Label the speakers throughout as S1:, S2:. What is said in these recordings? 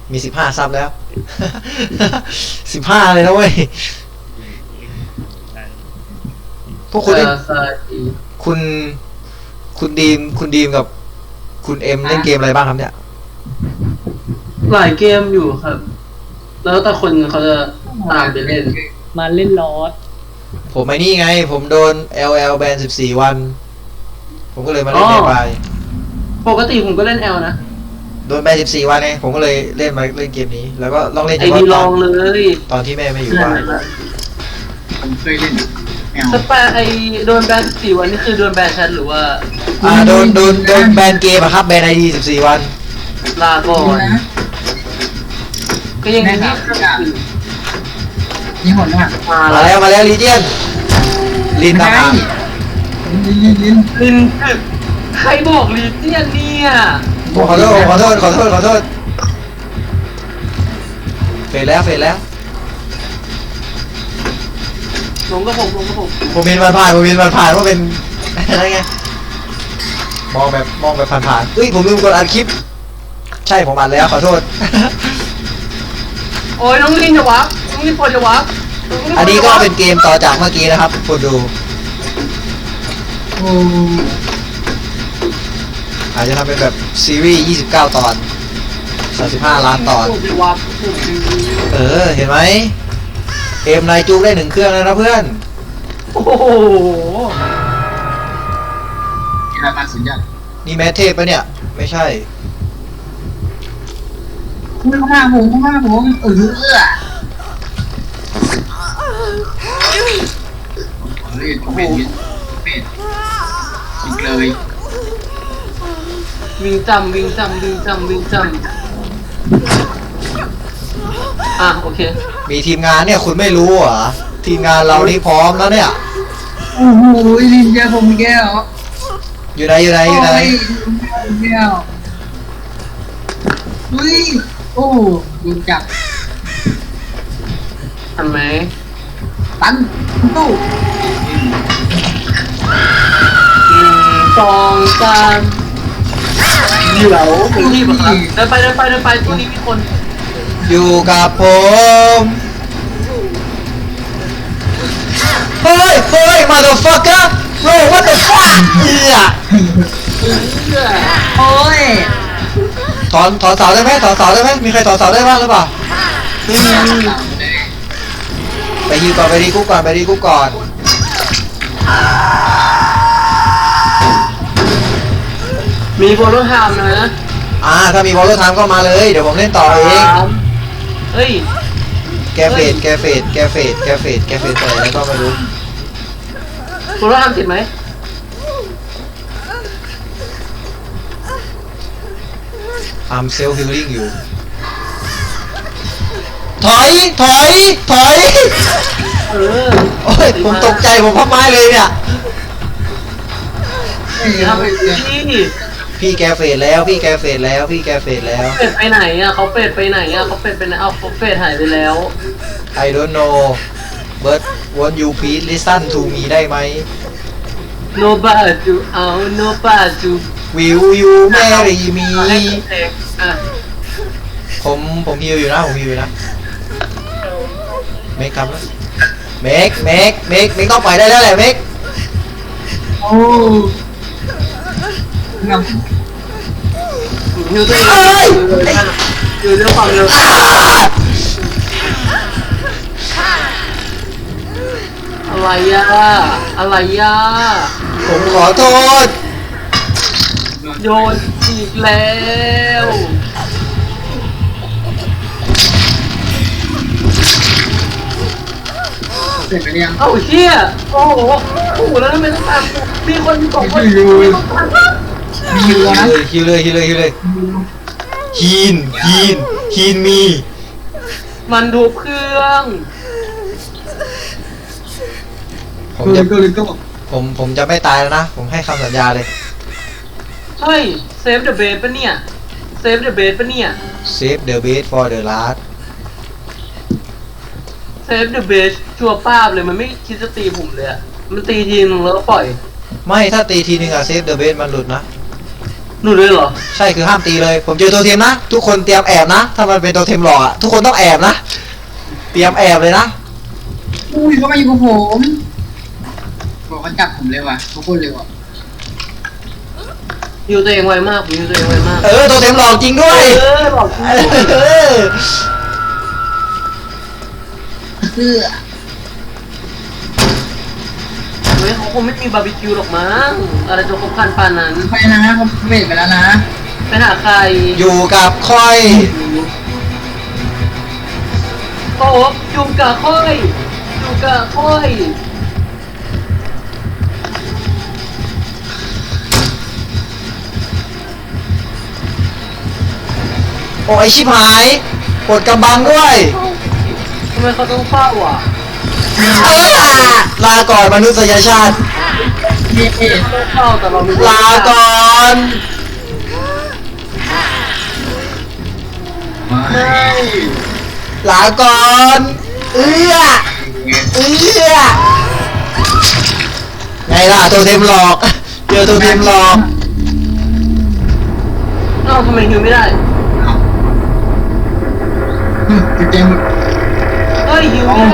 S1: มี15 ซับแล้ว 15 เลยนะเว้ยพวกคุณเล่นคุณคุณดีมกับคุณเอ็มเล่นเกมอะไรบ้างครับเนี่ย
S2: หลายเกมอยู่ครับ แล้วแต่คนเขาจะตามไปเล่น
S3: มาเล่นลอส
S1: ผมไอ้นี่ไง ผมโดน LL แบน14 วัน ผมก็เลยมาเล่นในบาย
S2: ปกติผมก็เล่น L นะ
S1: โดนแบน14 วันเองผมก็เลยเล่นมาเล่นเกมนี้ แล้วก็ลองเล่น
S2: ไอดีลองเลย
S1: ตอนที่แม่ไม่อยู่บ้าน
S4: ผมเคยเล่นแอล
S2: สแปร์ไอโดนแบน4 วันนี่คือโดนแบนแชทหรือว่า
S1: โดนแบนเกมอะครับแบน ID 14 วัน
S2: ลาก่อน
S4: นะ
S2: ก็ยังมีที่
S4: นี่หมดแล้ว
S1: มาแล้วลีเจียนลินตามหา
S4: ลิ้น
S2: ลินใครบอกลีเจียนเนี่ย
S1: ขอโทษเฟดแล้ว
S2: ลงก็ผม
S1: ผมเห็นมันผ่านว่าเป็น อะไรไง มองแบบผ่านๆเฮ้ยผมลืมกดอัดคลิป ใช่ผมอัดแล้วขอโทษ
S2: โอ้ยน้องลินจะวับน้องลินพอจะวับ
S1: อันนี้ก็เป็นเกมต่อจากเมื่อกี้นะครับคุณดู
S4: โอ้
S1: อาจจะทำเป็นแบบซีรีส์29 ตอน35 ล้านตอน
S2: พอจะวับ
S1: เห็นไหมเกมนายจูได้1 เครื่องแล้วนะเพื่อน
S2: โอ้โห
S4: ยามาสุดยอด
S1: นี่แมทเทพปะเนี่ย ไม่ใช่
S4: เข้ามาผมเล่นเป็นชิงเลย
S2: วิ่งจำโอเค
S1: มีทีมงานเนี่ยคุณไม่รู้เหรอ ทีมงานเรานี่พร้อมแล้วเนี่ย
S4: โอ้โหลินเจอผมแก้ว
S1: อยู่ไหน
S4: แก้วอุ้ยโอ้ยิงจับ
S2: ทันไหม
S4: ตันตู้
S2: 1 2 3เดี๋ยวรีบเหรอครับเดินไปตัวนี้มีคน
S1: อยู่กับผม เฮ้ย motherfucker bro what the fuck
S4: โอ้ย
S1: ถอนเสาได้ไหมมีใครถอนเสาได้บ้างหรือเปล่าไปฮิวก่อนไปดีกุ๊กก่อน
S2: มีโบลูฮามนะ
S1: ถ้ามีบอลลูนทามก็มาเลย เดี๋ยวผมเล่นต่อเอง
S2: เฮ้ย
S1: แกเฟดไปแล้วก็ไม่รู้
S2: โบลูฮามติดไหม
S1: I'm self healing อยู่ ถอย
S2: เออ
S1: โอ้ย ผมตกใจผมพับไม้เลยเนี่ย
S2: ทำที่
S1: พี่แกเฟดแล้ว
S2: เป็ดไปไหนอ่ะเขาเป็ดไปไหนเขาเป็ดหายไปแล้ว
S1: I don't know but won't you please listen to me ได้ไหม
S2: no bad to เอา no bad to
S1: Will you marry me
S2: อ่ะ
S1: ผมฮิวอยู่นะเมคครับนะเมคต้องปล่อยได้แล้วแหละเมค
S4: โอ้งาม
S2: ฮิวตัวเองอยู่ด้วยความเร็วอะไรอ่ะ
S1: ผมขอโทษ
S2: โยนอีกแล้ว
S4: เสร็จไปยัง
S2: เอ้าเฮียโอ้โหแล้วทำไมต้องตามมีคนมี2 คน
S4: มีวัวนะ
S1: ฮิวเลยฮีนมี
S2: มันดูเครื่อง
S1: ผมจะไม่ตายแล้วนะ ผมให้คำสัญญาเลย
S2: เฮ้ยเซฟเดอะเบสปะเนี่ย
S1: Save the best for the last
S2: เซฟเดอะเบสชัวร์ป้าบเลยมันไม่คิดจะตีผมเลยอะมันตีทีนึงแล้วก็ปล่อย
S1: ไม่ถ้าตีทีนึงอะ Save the best มันหลุดนะ
S2: หนูเลยเหรอ
S1: ใช่คือห้ามตีเลย ผมเจอตัวเทมนะ ทุกคนเตรียมแอบนะ ถ้ามันเป็นตัวเทมหลอกอะทุกคนต้องแอบนะ เตรียมแอบเลยนะ
S4: อุ้ยเขามาอยู่กับผมบอกเขาจับผมเลยว่ะเขาพูดเลยว่ะ
S2: ฮิวตัวเองไวมากผมฮิวตัวเองไวมาก
S1: ตัวเทมหลอกจริงด้วย
S2: หลอกจริง
S1: เออ
S4: คือ
S2: เฮ้ยเขาคงไม่มีบาร์บีคิวหรอกมั้งอะไรจะครบครันปานนั้น
S4: ไปนะเขาเวทไปแล้วนะ
S2: ไปหาใคร
S1: อยู่กับค่อย
S2: โอ้อยู่กับค่อยอยู่กับค่อย
S1: โอ้ยชิบหายปวดกำบังด้วย
S2: ทำไมเขาต้องเฝ้าอ่ะ
S1: ลาก่อนมนุษยชาติ
S4: เย้
S2: เขาต้องเฝ้าแต่เราไม่รู้
S1: ลาก่อน
S4: ไม่
S1: ลาก่อนเอื้อไงล่ะตัวเทมหลอกเจอตัวเทมหลอก
S2: เอ้าทำไมฮิวไม่ได้
S4: เต็ม
S2: เฮ้ยฮิวไม่ได้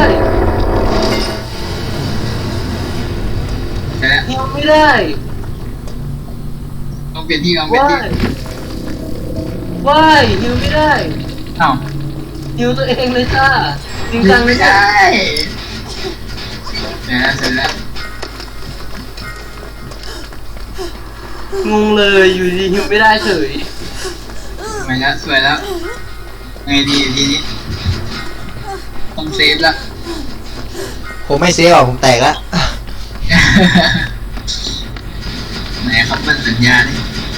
S4: ใช่แล้ว
S2: ฮิวไม่ได้
S4: ต้องเปลี่ยนที่ต้องเปลี่ยน
S2: ว้า
S4: ที่
S2: ยว้ายฮิวไม่ได้
S4: เอ้า
S2: ฮิวตัวเองเลยจ้าจริง
S4: ยั
S2: จั
S4: ง
S2: ง
S4: ไม่ได้เสร็จแล้ว
S2: งงเลยอยู่ดีฮิวไม่ได้เฉย
S4: สวยแล้วสวยแล้วไงดีทีนี้ต้องเซฟละ
S1: ผมไม่เซฟหรอกผมแตกแล้ว
S4: ไหนครับมันสัญญาดิ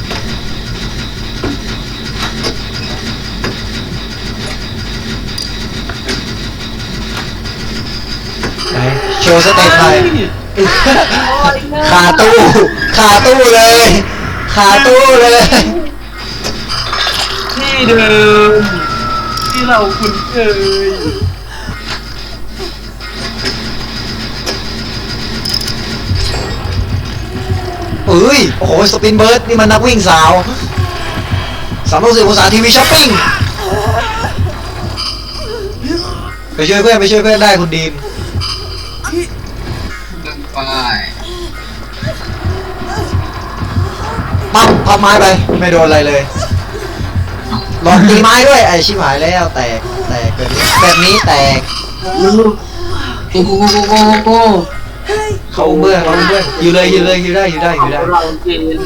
S1: ไหนโชว์สเต็ปหน่อยคาตู้เลยคาตู้เลย
S2: ที่เดิมที่เราคุ้นเคย
S1: เอ้ยโอ้โหสปินเบิร์ดนี่มันนักวิ่งสาว360องศาทีวีช้อปปิ้งไปช่วยเพื่อนได้คุณดีม
S4: เดินไป
S1: ปั๊บพับไม้ไปไม่โดนอะไรเลยลองตีไม้ด้วยไอชิบหายแล้วแตกแบบนี้แตก
S4: โก้โก้โก้โก้โก้
S1: เขาเบื่ออยู่ได้
S2: เราเกณฑ์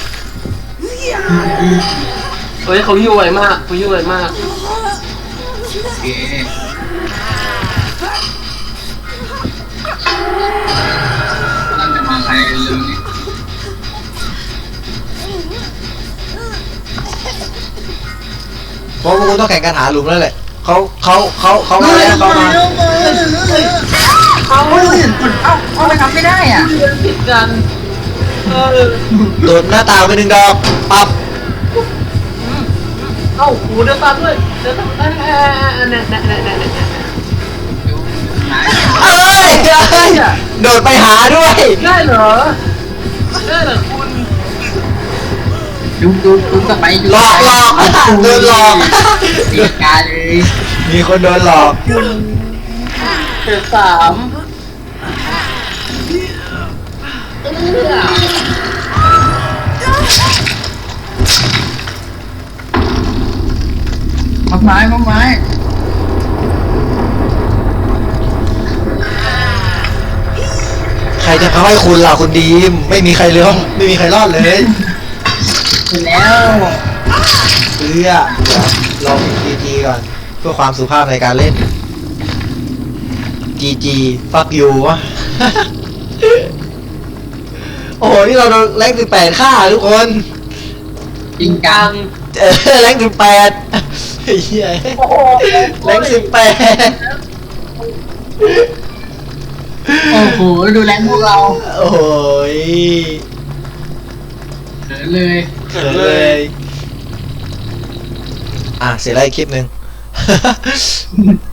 S2: เฮ้ยเขาฮิวไวมากเขาฮิวไวมาก
S4: โอเคนั่นจะมาใครเร็วนี่
S1: เพราะพวกคุณต้องแข่งกันหาหลุมแล้วแหละเขามาแล้วเขามา
S2: เอา
S4: เอาไปทำไม่ได้อ่ะ
S2: เดินผิดกัน
S1: โดดหน้าต่างไป1 ดอกปั๊บ
S2: เอ้าหูเดินตามด้วยเดินตามเนี่ย
S1: เอ้ยโดดไปหาด้วย
S2: ได้เหรอได้เหรอคุณ
S4: ดูกลับไป
S1: หลอกโดนหลอก
S4: เสียการเลย
S1: มีคนโดนหลอก
S2: เจ็ดสาม
S4: พักไม้
S1: ใครจะเขาให้คุณล่ะคุณดีมไม่มีใครเลยไม่มีใครรอดเลย
S4: เสร็จแล้ว
S1: เดี๋ยวลองGGก่อนเพื่อความสุภาพในการเล่น GG fuck you วะ โอ้โหนี่เราแรง18ค่าทุกคน
S4: จริง
S2: ก
S4: จั
S2: ลาง ง
S1: แรง18เฮีย
S2: โอ้โห
S1: แรง18
S4: โอ้โหดูแลพวกเรา
S1: โอ้ย
S4: เขินเลย
S1: เขินเลย เสร็จแล้วอีกคลิปหนึ่ง